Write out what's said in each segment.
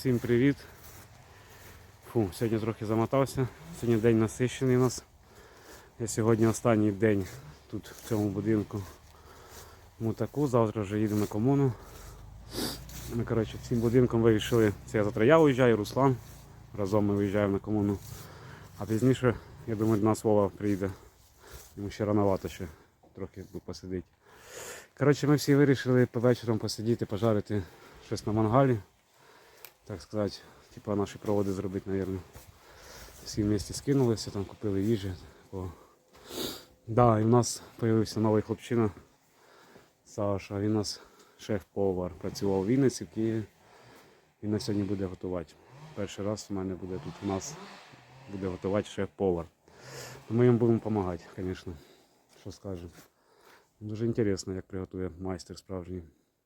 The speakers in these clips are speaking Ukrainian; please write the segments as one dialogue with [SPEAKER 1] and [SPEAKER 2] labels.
[SPEAKER 1] Всім привіт. Сьогодні трохи замотався. Сьогодні день насичений у нас. Я сьогодні останній день тут в цьому будинку Мутаку. Завтра вже їду на комуну. Ми всім будинком вирішили, це завтра я виїжджаю, Руслан. Разом ми виїжджаємо на комуну. А пізніше, я думаю, до нас Вова приїде. Йому ще рановато ще трохи посидить. Ми всі вирішили по вечорам посидіти, пожарити щось на мангалі. Так сказати, типа наші проводи зробити, мабуть. Всі вместе скинулися, там купили їжі. Да, і в нас з'явився новий хлопчина Саша, він у нас шеф-повар. Працював у Вінниці, в Києві. Він на сьогодні буде готувати. Перший раз у мене буде тут у нас буде готувати шеф-повар. Ми йому будемо допомагати, звісно. Що скажемо. Дуже цікаво, як приготує майстер справжній.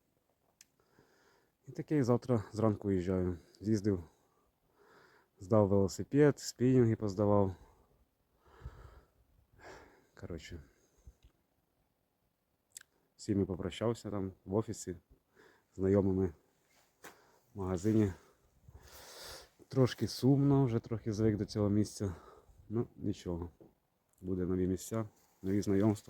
[SPEAKER 1] І таке, завтра зранку виїжджаю. З'їздив, здав велосипед, спінінги поздавав. Всіми попрощався там в офісі, знайомими в магазині. Трошки сумно, вже трохи звик до цього місця. Ну, нічого. Буде нові місця, нові знайомства.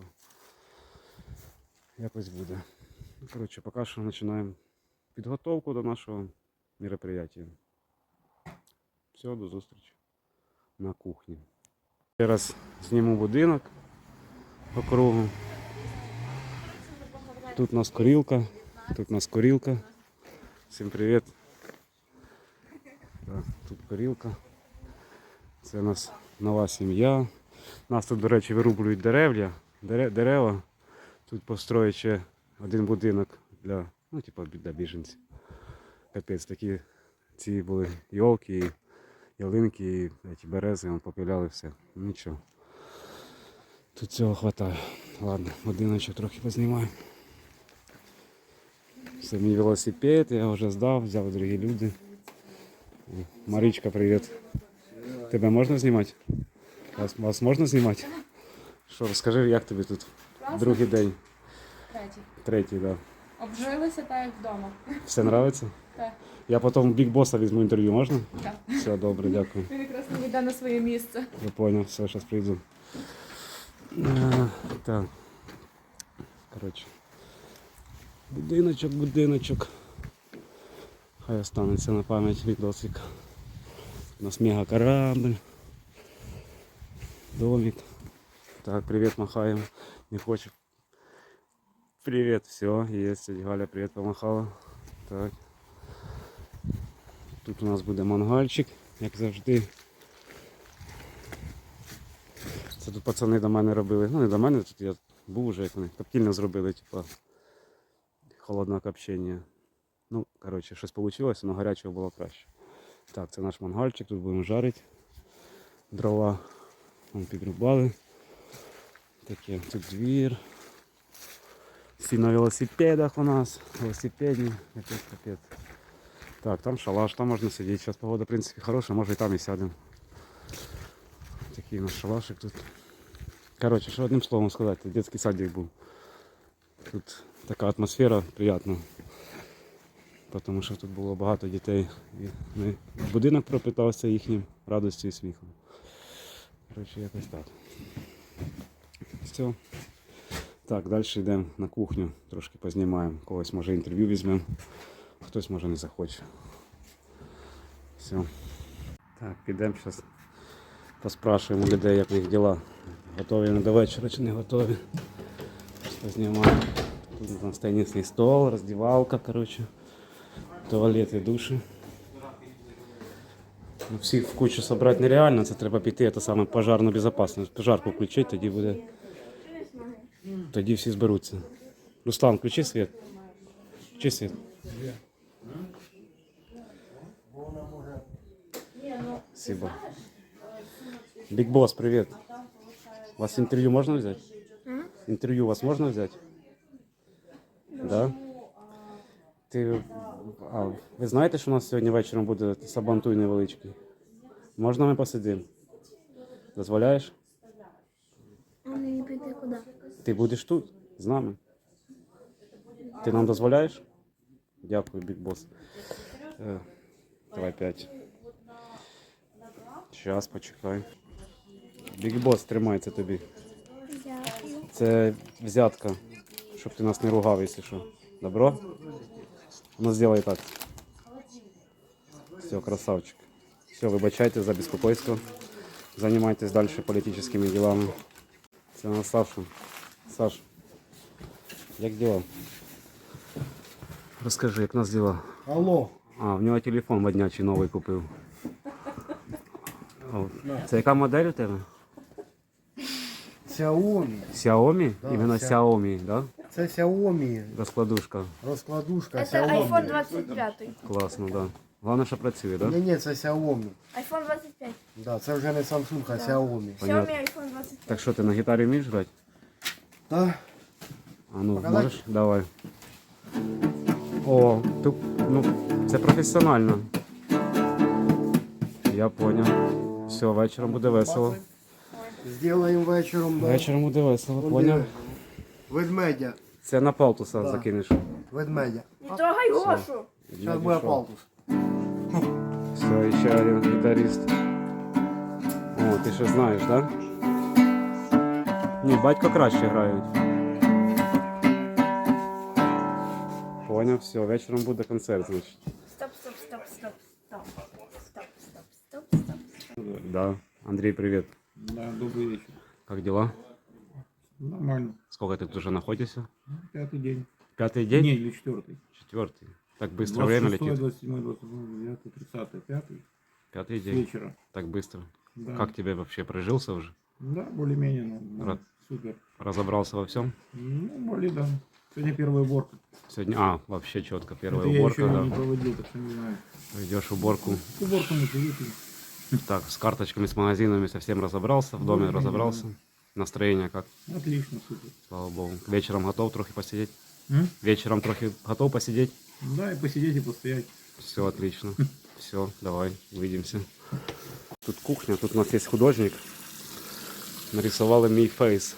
[SPEAKER 1] Якось буде. Поки що починаємо підготовку до нашого мероприятия. Все, до зустрічі на кухні. Зараз зніму будинок по кругу. Тут у нас курілка. Всім привіт. Тут курілка. Це у нас нова сім'я. Нас тут, до речі, вирублюють дерева. Тут построїть ще один будинок для біженців. Капець, такі ці були йолки, ялинки, і берези, попиляли все. Нічого. Тут цього вистачає. Ладно, будиночок трохи познімаю. Це мій велосипед, я його вже здав, взяли другі люди. Марічка, привіт. Тебе можна знімати? Вас можна знімати? Що, розкажи, як тобі тут?
[SPEAKER 2] Класно.
[SPEAKER 1] Другий день.
[SPEAKER 2] Третій,
[SPEAKER 1] так. Да.
[SPEAKER 2] Обжилися так, як вдома.
[SPEAKER 1] Все подобається?
[SPEAKER 2] Так.
[SPEAKER 1] Я потім Біг Боса візьму інтерв'ю, можна?
[SPEAKER 2] Так.
[SPEAKER 1] Все, добре, дякую.
[SPEAKER 2] Він якраз не йде на своє місце.
[SPEAKER 1] Я понял, все, зараз прийду. Так. Будиночок. Хай останеться на пам'ять відосик. У нас мега корабль. Домик. Так, привет махаем. Не хочет. Привет, все, есть. Галя, привет, помахала. Так. Тут у нас буде мангальчик, як завжди. Це тут пацани до мене робили. Ну не до мене, тут я був вже, як вони коптільно зробили, холодне копчення. Ну, щось вийшло, але гарячого було краще. Так, це наш мангальчик, тут будемо жарити. Дрова підрубали. Таке, тут двір. Всі на велосипедах у нас. Велосипедні. Капець. Так, там шалаш, там можна сидіти. Зараз погода, в принципі, хороша, може і там і сядемо. Такий у нас шалашик тут. Що одним словом сказати, дитячий садик був. Тут така атмосфера приємна. Тому що тут було багато дітей. І будинок пропитався їхнім радістю і сміхом. Якось так. Все. Так, далі йдемо на кухню, трошки познімаємо. Когось може інтерв'ю візьмемо, хтось може не захоче. Все. Так, підемо зараз поспрашуємо людей, як їх діла. Готові вони до вечора чи не готові. Познімаємо. Тут у нас тенісний стол, роздівалка, туалет і душі. Всіх в кучу зібрати нереально, це треба піти, це саме пожарну безпечність. Пожарку включити, тоді буде. Тоді всі зберуться. Руслан, включи світ. Включи світ. Спасибо. Биг Босс, привет. У вас интервью можно взять? Интервью у вас можно взять? Да? Ви знаєте, що у нас сьогодні вечором буде сабантуй невеличкий? Можна ми посидимо? Дозволяєш?
[SPEAKER 3] А мені піти куди?
[SPEAKER 1] Ти будеш тут, з нами. Ти нам дозволяєш? Дякую, Big Boss. Давай 5. Щас, почекай. Big Boss, тримається тобі.
[SPEAKER 3] Дякую.
[SPEAKER 1] Це взятка, щоб ти нас не ругав, якщо що. Добро? Ну, зробай так. Все, красавчик. Все, вибачайте за беспокойство. Занимайтесь дальше політичними делами. Це на Сашу. Саш, як діла? Розкажи, як у нас діла?
[SPEAKER 4] Алло,
[SPEAKER 1] А, в нього телефон моднячий новий купив. О, це яка модель у тебе?
[SPEAKER 4] Xiaomi.
[SPEAKER 1] Xiaomi?
[SPEAKER 4] Да,
[SPEAKER 1] Іменно Xiaomi, да?
[SPEAKER 4] Це Xiaomi,
[SPEAKER 1] Розкладушка.
[SPEAKER 4] розкладушка
[SPEAKER 3] Це
[SPEAKER 4] Xiaomi.
[SPEAKER 3] iPhone 25.
[SPEAKER 1] Класно, да. Головне, що працює, да?
[SPEAKER 4] Ні, це Xiaomi.
[SPEAKER 3] iPhone 25.
[SPEAKER 4] Да, це вже не Samsung, а Xiaomi.
[SPEAKER 1] Понятно.
[SPEAKER 3] Xiaomi iPhone 25.
[SPEAKER 1] Так що, ти на гітарі вмієш грати?
[SPEAKER 4] Да.
[SPEAKER 1] А ну,
[SPEAKER 4] Показать?
[SPEAKER 1] можеш? Давай. О, ти, ну, це професіонально. Я поняв. Все, вечором буде весело.
[SPEAKER 4] Зробимо вечором, да.
[SPEAKER 1] Вечором буде весело,
[SPEAKER 4] Вон
[SPEAKER 1] поняв?
[SPEAKER 4] диви. Ведмедя.
[SPEAKER 1] Це на палтуса
[SPEAKER 4] Да.
[SPEAKER 1] закинеш.
[SPEAKER 4] Ведмедя.
[SPEAKER 3] Не трогай Гошу.
[SPEAKER 4] Зараз буде палтус.
[SPEAKER 1] Все, ще один гітарист. О, ти ще знаєш, так? Да? Ні, батько краще грають. Поняв, все, вечором буде концерт, значить.
[SPEAKER 3] Стоп, стоп, стоп, стоп, стоп. Стоп, стоп, стоп, стоп, стоп.
[SPEAKER 1] Да. Андрей, привет.
[SPEAKER 5] Да, добрый вечер.
[SPEAKER 1] Как дела?
[SPEAKER 5] Нормально.
[SPEAKER 1] Сколько ты тут уже находишься?
[SPEAKER 5] Пятый день.
[SPEAKER 1] Пятый день?
[SPEAKER 5] Не, или четвертый.
[SPEAKER 1] Четвертый. Так быстро время
[SPEAKER 5] 26,
[SPEAKER 1] летит.
[SPEAKER 5] 27, 28, 29, 30, пятый.
[SPEAKER 1] Пятый
[SPEAKER 5] С
[SPEAKER 1] день.
[SPEAKER 5] вечера.
[SPEAKER 1] Так быстро.
[SPEAKER 5] Да.
[SPEAKER 1] Как тебе вообще прижился уже?
[SPEAKER 5] Да, более-менее.
[SPEAKER 1] Рад.
[SPEAKER 5] Супер.
[SPEAKER 1] Разобрался во всем?
[SPEAKER 5] Ну, более, да. Сегодня первая уборка.
[SPEAKER 1] Сегодня, вообще четко. Первая
[SPEAKER 5] Это
[SPEAKER 1] уборка,
[SPEAKER 5] я еще
[SPEAKER 1] да.
[SPEAKER 5] не проводил, так что не знаю.
[SPEAKER 1] Идешь уборку.
[SPEAKER 5] Уборку мы приехали.
[SPEAKER 1] Так, с карточками, с магазинами совсем разобрался, в доме
[SPEAKER 5] Да,
[SPEAKER 1] разобрался. Настроение как?
[SPEAKER 5] Отлично, супер.
[SPEAKER 1] Слава богу. Вечером готов трохи посидеть?
[SPEAKER 5] М?
[SPEAKER 1] Вечером трохи готов посидеть?
[SPEAKER 5] Да, и посидеть, и постоять.
[SPEAKER 1] Все отлично. Все, давай, увидимся. Тут кухня, тут у нас есть художник. Нарисовал мій фейс.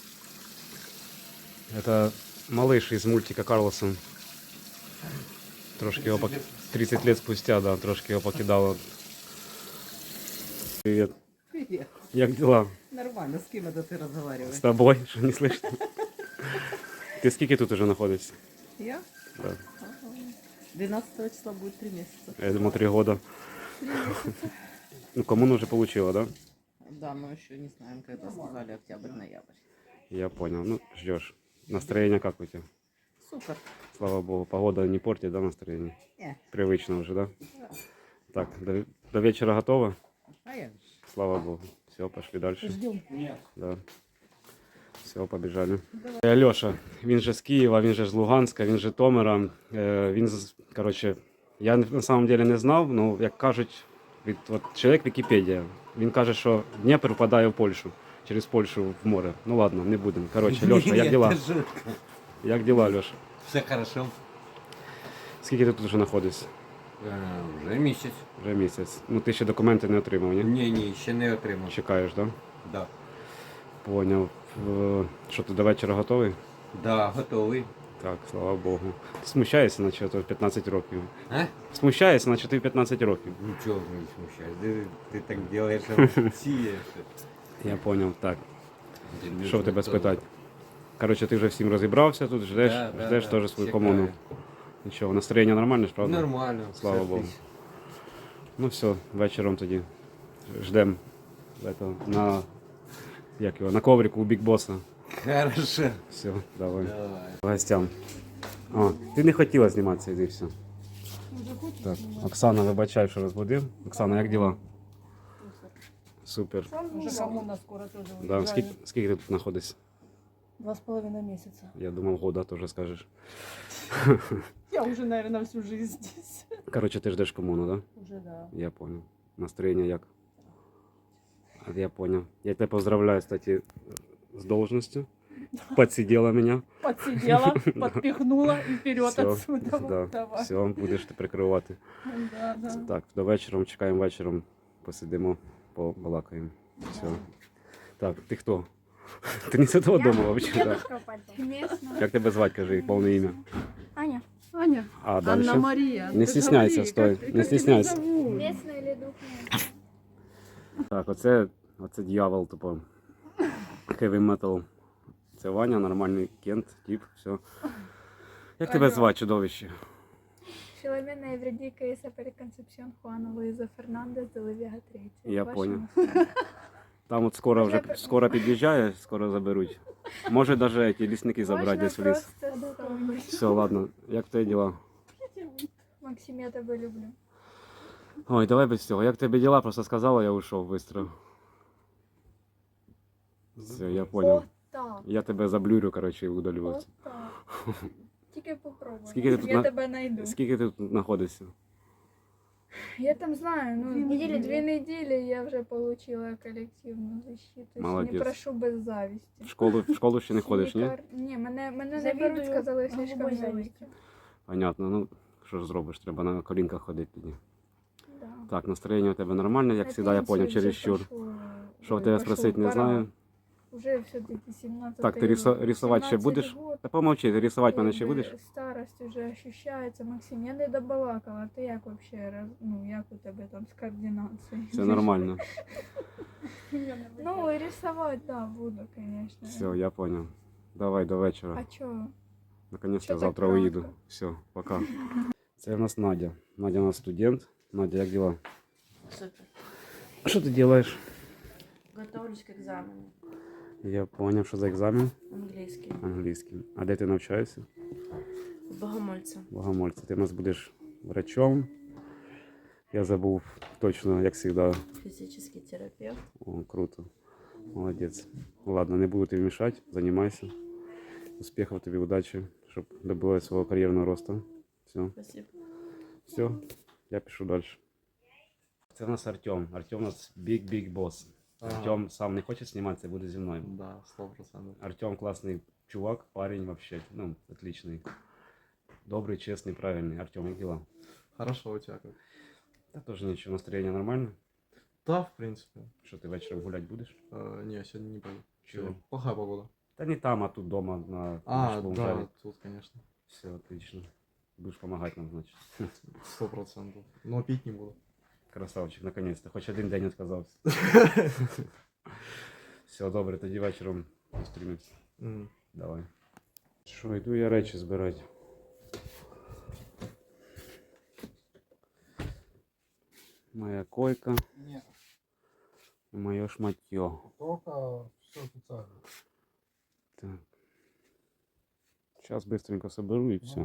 [SPEAKER 1] Это малыш из мультика Карлсон. Трошки его 30 лет спустя, да, трошки его покидало. Привет.
[SPEAKER 6] Привет.
[SPEAKER 1] Як дела?
[SPEAKER 6] Нормально, с кем это ты разговариваешь?
[SPEAKER 1] С тобой? Что не слышно? Ты скільки тут уже находишься?
[SPEAKER 6] Я?
[SPEAKER 1] Да.
[SPEAKER 6] 12 числа будет 3 месяца.
[SPEAKER 1] Я думал 3 года. Ну, коммуну уже получила, да?
[SPEAKER 6] Да, мы еще не знаем, когда сказали октябрь-ноябрь.
[SPEAKER 1] Я понял. Ну, ждешь. Настроение как у тебя?
[SPEAKER 6] Супер.
[SPEAKER 1] Слава богу. Погода не портит, да, настроение?
[SPEAKER 6] Не,
[SPEAKER 1] Привычно уже, да? Так, до вечера готово?
[SPEAKER 6] а я
[SPEAKER 1] Слава богу. Все, пошли дальше.
[SPEAKER 6] ждем.
[SPEAKER 1] Да. Все, побіжали. Льоша, він же з Києва, він же з Луганська, він же з Житомира. Коротше, я на самом деле не знав, ну, як кажуть, от чоловік Вікіпедія. Він каже, що Дніпр впадає в Польщу, через Польщу в море. Ну ладно, не будемо. Коротше, Льоша, як діла?
[SPEAKER 7] Это жутко.
[SPEAKER 1] Як діла, Льоша?
[SPEAKER 7] Все хорошо.
[SPEAKER 1] Скільки ти тут вже знаходишся?
[SPEAKER 7] Вже місяць.
[SPEAKER 1] Вже місяць. Ну ти ще документи не отримав, ні?
[SPEAKER 7] Ні, ще не отримав.
[SPEAKER 1] Чекаєш, так? Да?
[SPEAKER 7] Да.
[SPEAKER 1] Поняв. Що ти до вечора готовий?
[SPEAKER 7] Да, готовий.
[SPEAKER 1] Так, слава Богу. Ти смущаєшся, наче то 15 років.
[SPEAKER 7] А?
[SPEAKER 1] Смущаєшся, наче ти 15 років.
[SPEAKER 7] Нічого не смущає. Ти так робиш, а сієш.
[SPEAKER 1] Я зрозумів, так. Що в тебе спитати? Коротше, ти вже всім розібрався тут, ждеш теж свою комуну. Нічого, настроєння нормальне ж, правда?
[SPEAKER 7] Нормально.
[SPEAKER 1] Слава
[SPEAKER 7] все
[SPEAKER 1] Богу.
[SPEAKER 7] отлично.
[SPEAKER 1] Ну все, вечором тоді ждемо на коврику у Big Boss.
[SPEAKER 7] Хорошо.
[SPEAKER 1] Все, давай.
[SPEAKER 7] Давай.
[SPEAKER 1] Гостям. А, ти не хотіла зніматися, іди все. Так, Оксана, вибачай, що розбудив. Оксана, як діла? Супер.
[SPEAKER 6] Уже коммуна скоро тоже
[SPEAKER 1] Да, скільки ти тут знаходишся?
[SPEAKER 6] 2,5 месяца.
[SPEAKER 1] Я думав, года теж скажеш.
[SPEAKER 6] Я уже, наверное, всю жизнь здесь.
[SPEAKER 1] Коротше, ти ждеш комуну, да?
[SPEAKER 6] Уже, да.
[SPEAKER 1] Я понял. Настроение як? Я понял. Я тебя поздравляю, кстати, с должностью. Подсидела меня.
[SPEAKER 6] Подсидела, подпихнула и вперед
[SPEAKER 1] Всё,
[SPEAKER 6] отсюда.
[SPEAKER 1] Да,
[SPEAKER 6] Давай.
[SPEAKER 1] все, будеш ти прикривати.
[SPEAKER 6] Да, да.
[SPEAKER 1] Так, до вечора, чекаємо вечором, посидимо, побалакаємо. Все. Так, ти хто? Ти не з цього дому взагалі, так?
[SPEAKER 3] Местная.
[SPEAKER 1] Як тебе звати, кажи, повне ім'я?
[SPEAKER 3] Аня.
[SPEAKER 6] Ваня?
[SPEAKER 1] А
[SPEAKER 6] Анна
[SPEAKER 1] дальше?
[SPEAKER 6] Мария.
[SPEAKER 1] Не стесняйся, стой, не стесняйся.
[SPEAKER 3] Местная или духовная?
[SPEAKER 1] Так, оце дьявол, тупо. Heavy metal. Це Ваня, нормальний кент, тип, все. Як тебе звати, чудовище?
[SPEAKER 3] Филомена Евредика и Сапери Концепсион Хуана Луиза Фернандес де Левега III.
[SPEAKER 1] Я
[SPEAKER 3] Ваша
[SPEAKER 1] понял.
[SPEAKER 3] мама.
[SPEAKER 1] Там от скоро під'їжджає, скоро заберуть. Може навіть ті лісники забрати
[SPEAKER 3] Можно
[SPEAKER 1] десь в ліс.
[SPEAKER 3] просто ставить.
[SPEAKER 1] Все, ладно, як твої діла?
[SPEAKER 3] Максим, я тебя люблю.
[SPEAKER 1] Ой, давай без цього. Як тебе діла? Просто сказала, я ушов швидко. Все, я понял.
[SPEAKER 3] Вот так.
[SPEAKER 1] Я тебе заблюрю, коротше, і удалю.
[SPEAKER 3] Вот так. Тільки попробуй.
[SPEAKER 1] Скільки ти тут
[SPEAKER 3] Я
[SPEAKER 1] на-
[SPEAKER 3] тебе найду.
[SPEAKER 1] Скільки ти тут знаходишся?
[SPEAKER 3] Я там знаю, ну, 2
[SPEAKER 6] недели.
[SPEAKER 3] недели я уже получила коллективную защиту.
[SPEAKER 1] Молодец.
[SPEAKER 3] Не прошу без зависти.
[SPEAKER 1] В школу ще не ходиш, ні?
[SPEAKER 3] Ні, мене не
[SPEAKER 6] Завідую
[SPEAKER 3] беруть, сказали, слишком
[SPEAKER 6] голубой
[SPEAKER 3] велике.
[SPEAKER 6] завістю.
[SPEAKER 1] Понятно, ну що ж зробиш, треба на колінках ходити тоді.
[SPEAKER 3] Да.
[SPEAKER 1] Так, настроєння у тебе нормальне, як завжди, я понял, чересчур. Що
[SPEAKER 3] Ой,
[SPEAKER 1] тебе
[SPEAKER 3] пошел,
[SPEAKER 1] спросити, не
[SPEAKER 3] пора.
[SPEAKER 1] знаю.
[SPEAKER 3] Уже все-таки 17
[SPEAKER 1] Так, ти рисувати ще будеш? Та помовчи, ти рисувати мене ще будеш?
[SPEAKER 3] Старость уже ощущається. Максим, я не добалакала. Ти як вообще, ну, як у тебе там з координацією?
[SPEAKER 1] Все нормально.
[SPEAKER 3] Ну, рисовать, да, буду, конечно.
[SPEAKER 1] Все, я понял. Давай до вечора.
[SPEAKER 3] А чё?
[SPEAKER 1] Наконец-то
[SPEAKER 3] Чё так
[SPEAKER 1] завтра
[SPEAKER 3] рано?
[SPEAKER 1] уїду. Все, пока. Це в нас Надя. Надя у нас студент. Надя, як дела?
[SPEAKER 8] Супер.
[SPEAKER 1] Що ти робиш?
[SPEAKER 8] Готовлюсь к экзамену.
[SPEAKER 1] Я понял, що за екзамен
[SPEAKER 8] Английский.
[SPEAKER 1] англійський. А де ти навчаєшся?
[SPEAKER 8] Богомольца.
[SPEAKER 1] Богомольце. Ти у нас будеш врачом. Я забув точно, як завжди.
[SPEAKER 8] Физический терапевт.
[SPEAKER 1] О, круто. Молодець. Ладно, не буду тобі мішати. Займайся. Успіхів тобі, удачі, щоб добилась свого кар'єрного росту. Все.
[SPEAKER 8] Спасибо.
[SPEAKER 1] Все, я пишу далі. Це в нас Артем. Артем у нас big boss. Артем сам не хоче зніматися, буде зі мною.
[SPEAKER 5] Да, 100%.
[SPEAKER 1] Артем класний чувак, парень вообще, ну, отличный. Добрый, честный, правильный. Артем, як дела?
[SPEAKER 5] Хорошо, у тебя как?
[SPEAKER 1] Да тоже ничего, настроение нормально.
[SPEAKER 5] Да, в принципе.
[SPEAKER 1] Что, ты вечером гулять будешь?
[SPEAKER 5] Не, сегодня не пойду.
[SPEAKER 1] Чего?
[SPEAKER 5] Плохая погода.
[SPEAKER 1] Да не там, а тут дома на
[SPEAKER 5] А, да, тут, конечно.
[SPEAKER 1] Все, отлично. Будешь помогать нам, значит.
[SPEAKER 5] 100%. Но пить не буду.
[SPEAKER 1] Красавчик, наконец-то. Хоть один день отказался. Все, добре, тоді вечором зустрінемося. Давай. Що, йду я речі збирати. Моя койка.
[SPEAKER 4] Нет,
[SPEAKER 1] Моє шматье.
[SPEAKER 4] только все официально.
[SPEAKER 1] Так. Сейчас быстренько соберу и все.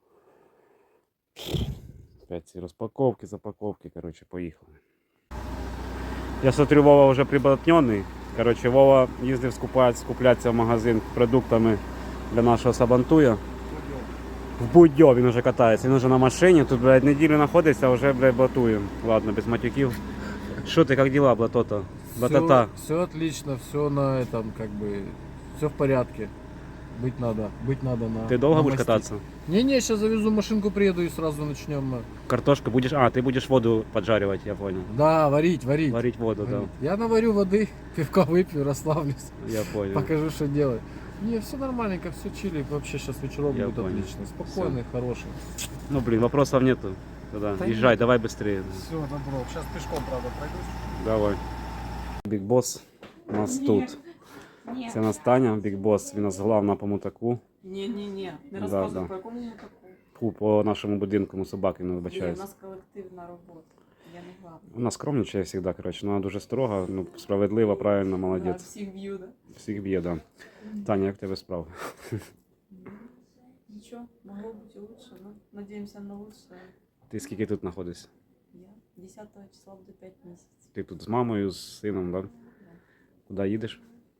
[SPEAKER 1] Опять ці розпаковки, запаковки, короче, поїхали. Я смотрю, Вова вже приблотнений. Короче, Вова їздив скуплятися в магазин продуктами для нашого сабантуя. В Будьо він вже катається, він вже на машині, тут, блядь, неділю знаходиться, а вже, блядь, блатує. Ладно, без матюків. Що ти, як діла, блатота? Блатота?
[SPEAKER 9] Все отлично, все на этом, как бы, все в порядке. Быть надо на.
[SPEAKER 1] Ти довго
[SPEAKER 9] на
[SPEAKER 1] будеш
[SPEAKER 9] мосте.
[SPEAKER 1] кататися?
[SPEAKER 9] Не, сейчас завезу машинку, приеду и сразу начнем.
[SPEAKER 1] Картошка будешь... А, ты будешь воду поджаривать, я понял.
[SPEAKER 9] Да, варить.
[SPEAKER 1] Варить воду,
[SPEAKER 9] Варить. Я наварю воды, пивка выпью, расслаблюсь,
[SPEAKER 1] да. Я понял.
[SPEAKER 9] покажу, что делать. Не, все нормальненько, все чили. Вообще сейчас вечером
[SPEAKER 1] Я
[SPEAKER 9] будет
[SPEAKER 1] понял.
[SPEAKER 9] отлично. Спокойный, хороший.
[SPEAKER 1] Ну, блин, вопросов нету. Тогда
[SPEAKER 9] Да
[SPEAKER 1] езжай,
[SPEAKER 9] нет.
[SPEAKER 1] давай быстрее.
[SPEAKER 4] Все, добро. Сейчас пешком, правда, пройдусь.
[SPEAKER 1] Давай. Big Boss у нас тут.
[SPEAKER 6] Ні.
[SPEAKER 1] Це нас Таня, Big Boss. Він у нас главна по мутаку.
[SPEAKER 6] Ні, не
[SPEAKER 1] Да,
[SPEAKER 6] розказуй
[SPEAKER 1] да.
[SPEAKER 6] по якому таку.
[SPEAKER 1] Фу, по нашому будинку, собаки не
[SPEAKER 6] Ні, у
[SPEAKER 1] вибачаюсь.
[SPEAKER 6] нас колективна робота. Я не главна.
[SPEAKER 1] Вона скромничає завжди, коротше. Вона дуже строга, ну, справедлива, правильно,
[SPEAKER 6] Да,
[SPEAKER 1] молодець.
[SPEAKER 6] всіх б'ю, да?
[SPEAKER 1] Всіх б'є, да. Таня, як в тебе справи?
[SPEAKER 6] Нічого, могло бути лучше, но надіємося на лучше.
[SPEAKER 1] Ти скільки тут знаходишся?
[SPEAKER 6] Я 10 числа буде 5 місяців.
[SPEAKER 1] Ти тут з мамою, з сином, да? Куди їдеш?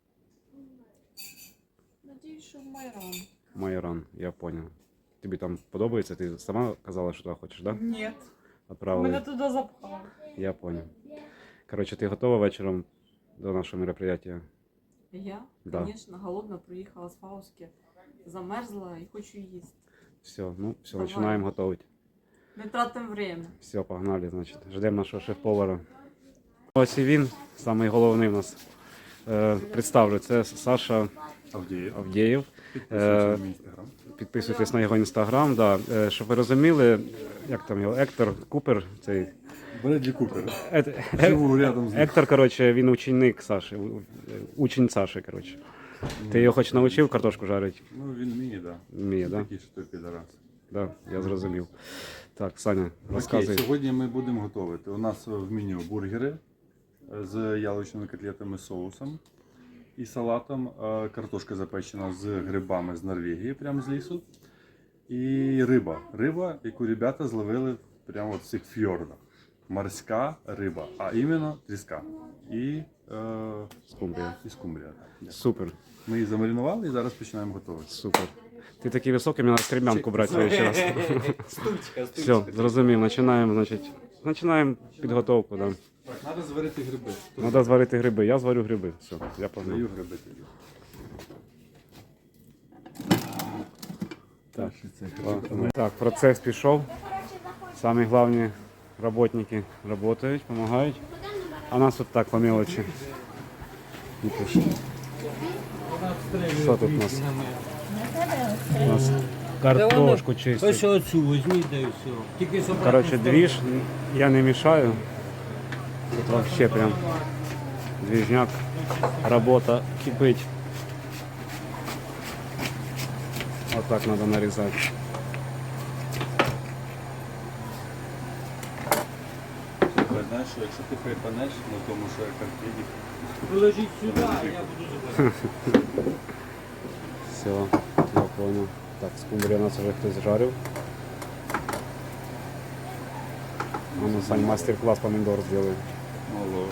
[SPEAKER 6] Надіюсь, що в Майран.
[SPEAKER 1] Майоран, я понял. Тобі там подобається? Ти сама казала, що туди хочеш, да?
[SPEAKER 6] Ні,
[SPEAKER 1] Отправили.
[SPEAKER 6] мене туди запхали.
[SPEAKER 1] Я понял. Короче, ти готова вечором до нашого мероприятия?
[SPEAKER 6] Я,
[SPEAKER 1] Да.
[SPEAKER 6] звісно, голодна приїхала з Фауски, замерзла і хочу їсти.
[SPEAKER 1] Все, ну, все,
[SPEAKER 6] Давай.
[SPEAKER 1] починаємо готувати.
[SPEAKER 6] Не тратимо время.
[SPEAKER 1] Все, погнали, значить. Ждемо нашого шеф-повара. Ось і він, самий головний в нас. Представлю, це Саша Авдєєв.
[SPEAKER 10] Підписуйтесь на мій інстаграм.
[SPEAKER 1] Підписуйтесь на його інстаграм. Да. Щоб ви розуміли, як там його Ектор Купер, цей
[SPEAKER 10] Бредлі Купер. Живу рядом з ним.
[SPEAKER 1] Ектор, коротше, він ученик Саші, учень Саші, коротше. Ти його хоч навчив картошку жарити?
[SPEAKER 10] Ну, він вміє, так.
[SPEAKER 1] Вміє, так?
[SPEAKER 10] Такий, що той підарас.
[SPEAKER 1] Да, я зрозумів. Так, Саня,
[SPEAKER 10] Окей,
[SPEAKER 1] розказуй.
[SPEAKER 10] сьогодні ми будемо готувати. У нас в меню бургери з яловичними котлетами соусом і салатом, картошка запечена з грибами з Норвегії, прямо з лісу. І риба. Риба, яку ребята зловили прямо от в цих фьордах. Морська риба, а іменно тріска. І
[SPEAKER 1] Скумбрія.
[SPEAKER 10] скумбрія. Так.
[SPEAKER 1] Супер,
[SPEAKER 10] Ми її замаринували і зараз починаємо готувати.
[SPEAKER 1] супер. Ти такий високий, мені треба крем'янку брати в следующий раз. Все, зрозумів, починаємо, значить, підготовку. Да.
[SPEAKER 10] Так, треба зварити гриби.
[SPEAKER 1] Треба зварити гриби, я зварю гриби. Все, я погнав.
[SPEAKER 10] Даю гриби тоді.
[SPEAKER 1] Так. Так, процес пішов. Самі головні роботники працюють, допомагають. А нас тут так по мелочі. Що тут у нас? У нас картошку чистять.
[SPEAKER 11] Ось оцю візьміть, да і все. Тільки щоб
[SPEAKER 1] Коротше, двіж, я не мішаю. Тут вообще прям двіжняк, робота кипить. Отак треба нарізати.
[SPEAKER 10] Знаєш, що якщо ти припанеш на тому, що я картинник,
[SPEAKER 11] положіть сюди, я буду забирати.
[SPEAKER 1] Все, я понял. Так, скумбрію у нас вже хтось жарив. А ну, Сань, мастер-класс помидор сделай.
[SPEAKER 10] мало.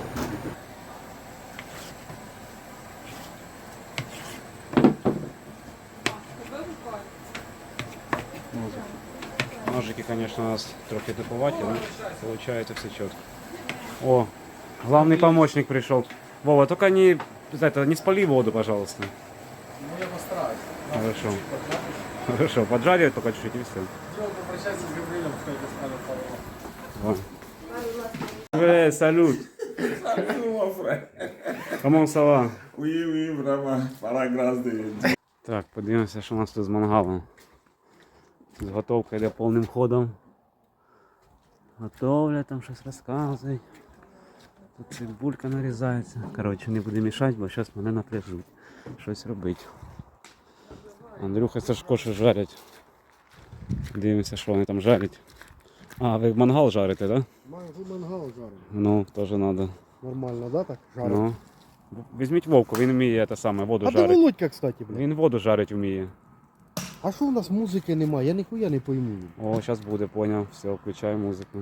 [SPEAKER 1] Ножики, конечно, у нас трохи туповаті, но получается все четко. О, главный помощник пришел. Вова, только не спали воду, пожалуйста.
[SPEAKER 4] Ну, я постараюсь.
[SPEAKER 1] Хорошо. Хорошо, поджарить только чуть-чуть и все.
[SPEAKER 4] Все, попрощайся с Гаврилом, сколько станет пару.
[SPEAKER 1] Салют. Comment ça va?
[SPEAKER 7] Oui, oui, vraiment. Para grâce de Dieu.
[SPEAKER 1] Так, подивимося, що у нас тут з мангалом. Підготовка йде повним ходом. Готовлять, там щось розказують. Тут цибулька нарізається. Коротше, не буду мішати, бо зараз мене напряжуть. Щось робити. Андрюха, Сашко ще жарять. Дивимося, що вони там жарять. А, ви мангал жарите, так? Да?
[SPEAKER 4] Мангал жарим.
[SPEAKER 1] Ну, теж треба.
[SPEAKER 4] Нормально, да, так? Жарим.
[SPEAKER 1] Ну. Візьміть Вовку, він вміє те саме, воду
[SPEAKER 4] А де
[SPEAKER 1] жарить.
[SPEAKER 4] Володька, кстати, блядь?
[SPEAKER 1] Він воду жарить вміє.
[SPEAKER 4] А що у нас музики немає? Я ніхуя не пойму.
[SPEAKER 1] О, зараз буде, поняв. Все, включаю музику.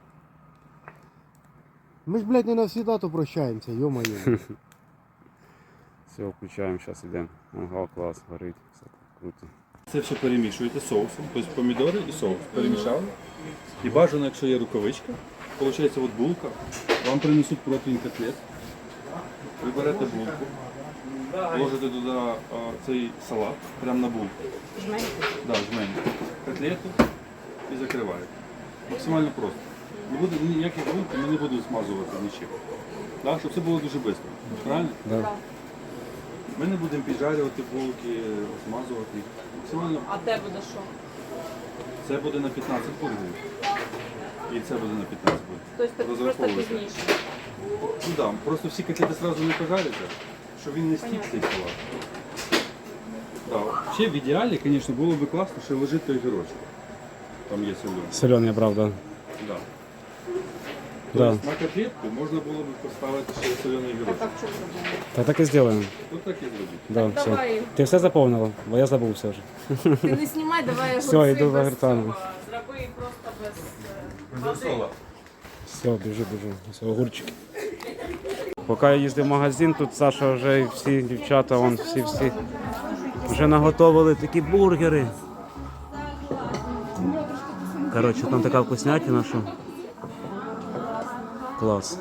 [SPEAKER 4] Ми ж, блядь, не навсегда то прощаємося, йо-моє.
[SPEAKER 1] Все, включаємо, зараз йдемо. Мангал клас, горить, все круто.
[SPEAKER 10] Це все перемішуєте соусом, тобто помідори і соус перемішали. І бажано, якщо є рукавичка, виходить от булка, вам принесуть протеїн котлет, ви берете булку, ложите туди цей салат, прямо на булку. Да, жменьку. Котлету і закриваєте. Максимально просто. Не буде ніяких булки, ми не будемо смазувати нічим. Да, щоб це було дуже швидко. Правильно?
[SPEAKER 1] Да.
[SPEAKER 10] Ми не будемо піджарювати булки, смазувати їх. Максимально.
[SPEAKER 6] А де буде що?
[SPEAKER 10] Це буде на 15 бургерів. І це буде на 15 бургерів.
[SPEAKER 6] Тобто просто
[SPEAKER 10] Розраховуйте.
[SPEAKER 6] пізніше.
[SPEAKER 10] Ну да, просто всі котлети одразу не пожаряться, щоб він не стік цей салат. Да. Ще в ідеалі, звісно, було б класно, що лежить той гірочок. Там є солений.
[SPEAKER 1] Соленый, правда.
[SPEAKER 10] Да.
[SPEAKER 1] Да.
[SPEAKER 10] Тобто на котлетку можна було б поставити ще солений
[SPEAKER 6] Так,
[SPEAKER 10] гірочок.
[SPEAKER 6] а в чому проблема?
[SPEAKER 1] Та так і зробимо.
[SPEAKER 10] От так і зробіть.
[SPEAKER 1] Да, все.
[SPEAKER 6] Давай,
[SPEAKER 1] Ти все заповнила? Бо я забувся вже.
[SPEAKER 6] ти не знімай, давай
[SPEAKER 1] Все,
[SPEAKER 6] огурці
[SPEAKER 1] йду за
[SPEAKER 6] без
[SPEAKER 1] гуртами.
[SPEAKER 6] цього. Зроби просто без
[SPEAKER 10] Без сола.
[SPEAKER 1] Все, біжу. Все, огурчики. Поки я їздив в магазин, тут Саша вже і всі дівчата, вон, всі вже наготовили такі бургери. Коротше, там така вкуснятина, що клас.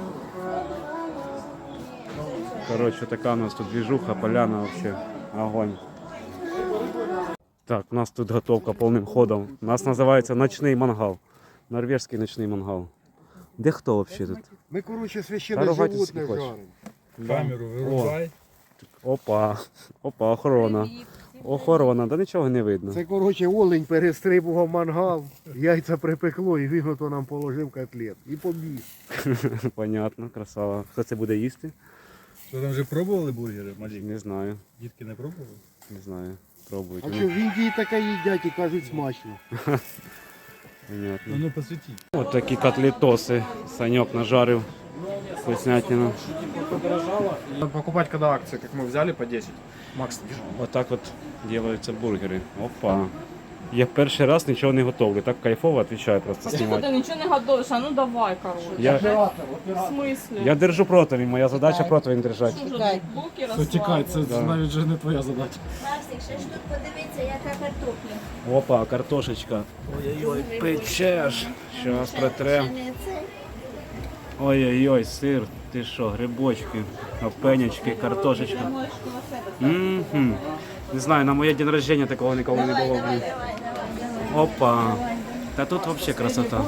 [SPEAKER 1] Коротше, така у нас тут движуха, поляна вообще, огонь. Так, у нас тут готовка повним ходом. У нас називається ночний мангал. Норвежський ночний мангал. Де хто взагалі тут?
[SPEAKER 4] Ми, коротше,
[SPEAKER 1] Та
[SPEAKER 4] священне
[SPEAKER 1] ругайтесь,
[SPEAKER 4] животне
[SPEAKER 1] скільки хочеш.
[SPEAKER 4] жаримо.
[SPEAKER 9] Камеру вирубай.
[SPEAKER 1] Опа, опа, охорона. Охорона, да нічого не видно.
[SPEAKER 4] Це, коротше, олень перестрибував мангал, яйця припекло і він ото нам положив котлет. І побіг.
[SPEAKER 1] Понятно, красава. Хто це буде їсти?
[SPEAKER 10] Що там вже пробували бургери, малі?
[SPEAKER 1] Не знаю,
[SPEAKER 10] Дітки не пробували?
[SPEAKER 1] не знаю. Пробують.
[SPEAKER 4] А що в Індії таке їдять і кажуть смачно.
[SPEAKER 1] Понятно.
[SPEAKER 10] Ну посвітіть.
[SPEAKER 1] От такі котлетоси. Саньок нажарив. Вкуснятину.
[SPEAKER 5] Покупать когда акции, как мы взяли по 10. Макс, держи.
[SPEAKER 1] Вот так от делаются бургери. Опа. Я перший раз нічого не готовлю. Так кайфово відповідаю просто
[SPEAKER 6] Ти
[SPEAKER 1] знімати.
[SPEAKER 6] нічого не готуєш, а ну давай, коротше.
[SPEAKER 1] Я,
[SPEAKER 6] В смислі?
[SPEAKER 1] я держу противень, моя задача противень держати.
[SPEAKER 6] Дуже булки розслабили.
[SPEAKER 5] це навіть вже не твоя задача.
[SPEAKER 8] Настік, ще ж тут подивіться, яка картопля.
[SPEAKER 1] Опа, картошечка. Ой-ой-ой, печеш. Щас протрем. Ой-ой-ой, сир, ти що, грибочки, опенячки, картошечка. Мгм. Не знаю, на моє день рождения такого ніколи не було. Блін. Опа. Та тут взагалі красота.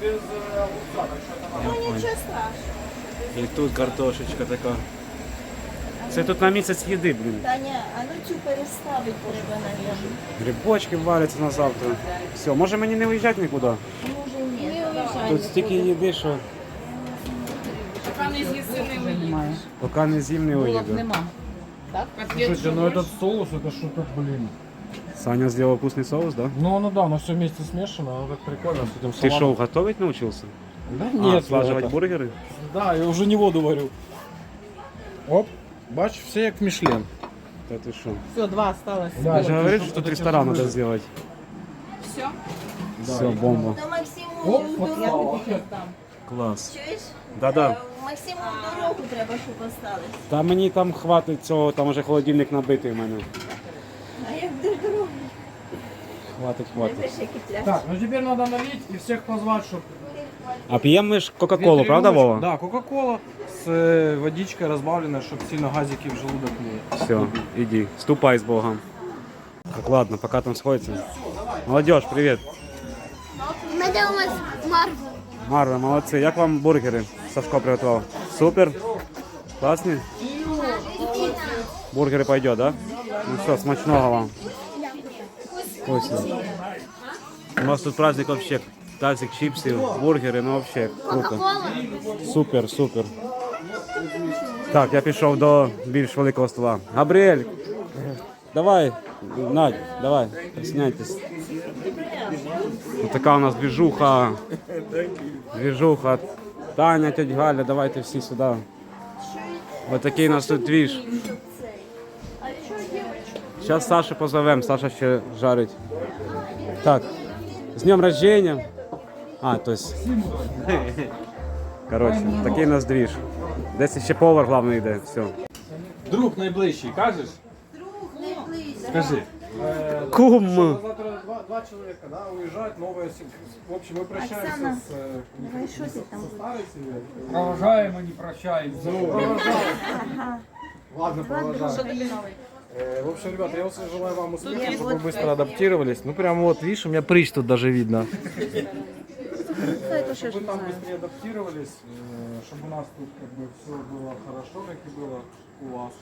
[SPEAKER 1] І тут картошечка така. Це тут на місяць їди, блін.
[SPEAKER 8] Таня, а ну цю переставити треба, навіть.
[SPEAKER 1] Грибочки валяться на завтра. Все, може мені не виїжджати нікуди?
[SPEAKER 8] Може ні.
[SPEAKER 1] Тут стільки їди, що
[SPEAKER 6] Поки не з'їси, не виїдеш.
[SPEAKER 1] поки не з'їм не
[SPEAKER 6] Булок
[SPEAKER 1] уїду.
[SPEAKER 6] нема. Так?
[SPEAKER 5] Слушайте, ну этот соус, это что-то, блин.
[SPEAKER 1] Саня зробив вкусний соус, да?
[SPEAKER 5] Ну да, но все вместе смешано, оно так прикольно с этим
[SPEAKER 1] Ти
[SPEAKER 5] салатом.
[SPEAKER 1] що, готовить навчився?
[SPEAKER 5] Да
[SPEAKER 1] А,
[SPEAKER 5] нет,
[SPEAKER 1] слаживать
[SPEAKER 5] это-
[SPEAKER 1] бургери?
[SPEAKER 5] Да, я уже не воду варю. Оп, бач, все як Мішлен.
[SPEAKER 1] Та ти що?
[SPEAKER 6] Все, 2 осталось.
[SPEAKER 1] Я же говорив, що тут ресторан треба зробити.
[SPEAKER 6] Все?
[SPEAKER 1] Все, бомба.
[SPEAKER 8] То Максиму
[SPEAKER 5] Оп,
[SPEAKER 8] в
[SPEAKER 5] попала.
[SPEAKER 8] дорогу.
[SPEAKER 1] Клас.
[SPEAKER 8] Чуєш?
[SPEAKER 1] Да-да.
[SPEAKER 8] Максиму в дорогу треба, щоб осталось.
[SPEAKER 1] Та мені там хватить цього, там вже холодильник набитий в мене.
[SPEAKER 8] А як де дорогу?
[SPEAKER 1] Хватить, хватить.
[SPEAKER 8] Це ще кипляш.
[SPEAKER 5] Так, ну теперь надо налить и всех позвать, чтобы...
[SPEAKER 1] А п'ємо ми ж Кока-Колу, правда, Вова?
[SPEAKER 5] Да, Кока-Кола с водичкой разбавленной, чтобы сильно газики в желудок не...
[SPEAKER 1] Все, иди, ступай с Богом. Так, ладно, пока там сходится. Молодежь, привет.
[SPEAKER 3] Ми дивимось Марвел.
[SPEAKER 1] Марва, молодці. Як вам бургери Сашко приготував? Супер? Класні? Бургери пойдет, да? Ну все, смачного вам. Вкусно. У нас тут праздник вообще. Тазик чипсів, бургери, ну вообще круто. Супер, супер. Так, я пішов до більш великого стола. Габріель, давай, Надь, давай, присняйтесь. Ось така у нас движуха. Движуха. Таня, тетя Галя, давайте всі сюди. Ось такий у нас тут двіж. Зараз Сашу позовемо, Саша ще жарить. Так, з днем рождения. А, то есть... Короче, такий у нас двіж. Десь ще повар головний йде, все.
[SPEAKER 10] Друг найближчий, кажеш? Скажи.
[SPEAKER 1] Кум!
[SPEAKER 5] Завтра два человека, да, уезжают, новые... В общем, мы прощаемся с...
[SPEAKER 8] Давай, що ти там?
[SPEAKER 5] со старой семьей.
[SPEAKER 11] Провожаємо, не прощаємося.
[SPEAKER 5] Ладно, продолжаем. В общем, ребята, я очень желаю вам успеха, чтобы вы быстро адаптировались. Ну, прям вот, видишь, у меня прыщ тут даже видно. Чтобы вы там быстрее адаптировались, чтобы у нас тут как бы все было хорошо, как и было у вас.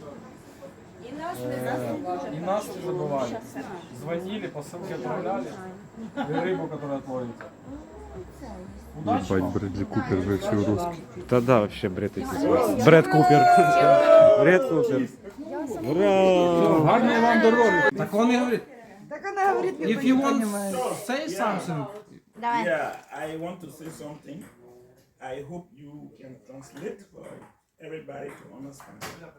[SPEAKER 5] И нас не забывали. Звонили, посылки отправляли. И рыбу, которую отловите. Удачи вам.
[SPEAKER 10] Брэдли Купер версию русский.
[SPEAKER 1] Та да, вообще бред якийсь. Бред Купер. Бред Купер. Ура!
[SPEAKER 11] Гарної вам дороги.
[SPEAKER 5] Так он и говорит,
[SPEAKER 6] Так вона говорить,
[SPEAKER 5] if you want to say something,
[SPEAKER 8] Давай.
[SPEAKER 12] Yeah, I want to say something. I hope you can translate for everybody to understand.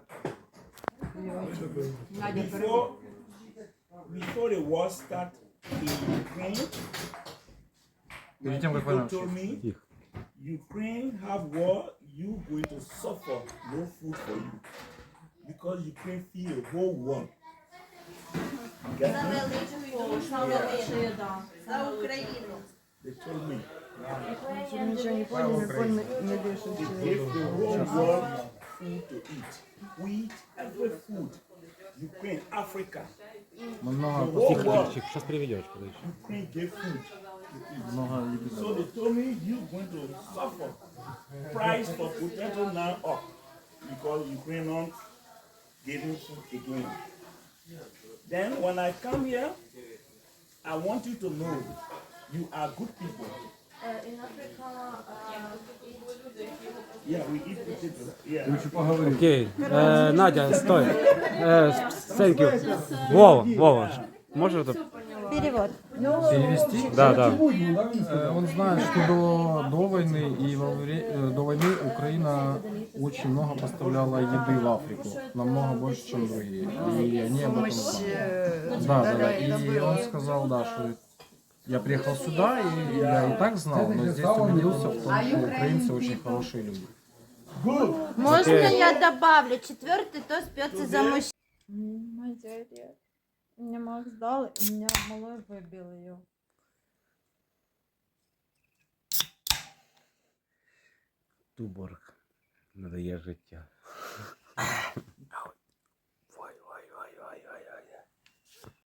[SPEAKER 12] Before the war started in Ukraine,
[SPEAKER 5] перед тем, как
[SPEAKER 12] people
[SPEAKER 5] война
[SPEAKER 12] told me, Ukraine have war, you going to suffer, no food for you. Because Ukraine feed the whole world. Get me?
[SPEAKER 8] За Україну.
[SPEAKER 12] They told me.
[SPEAKER 6] нічого не понял, не дишиш.
[SPEAKER 12] They gave the whole world food to eat. Wheat, every food. Ukraine, Africa. The whole world.
[SPEAKER 1] Сейчас приведешь, подожди.
[SPEAKER 12] Ukraine gave food to eat. So they told me you going to suffer. Price for potato now up because Ukraine getting food again. Then when I come here, I want you to know you are good people.
[SPEAKER 2] In Africa
[SPEAKER 12] Yeah, we eat potato. Yeah.
[SPEAKER 5] Лучше поговорити.
[SPEAKER 1] Окей. Надя, стой. Thank you. Вова. Може тут?
[SPEAKER 8] Перевод.
[SPEAKER 9] Перевести?
[SPEAKER 1] Да.
[SPEAKER 9] Он знает, что до войны и до войны Украина очень много поставляла еды в Африку, намного больше, чем другие. И они об этом знали. Да. И он сказал, да, что я приехал сюда, и я и так знал, но здесь убедился в том, что украинцы очень хорошие люди.
[SPEAKER 8] Можно я добавлю? Четвертый тост пьется за мужчин.
[SPEAKER 3] Мне Макс дал, и меня малой выбил ее.
[SPEAKER 1] Туборг надає життя.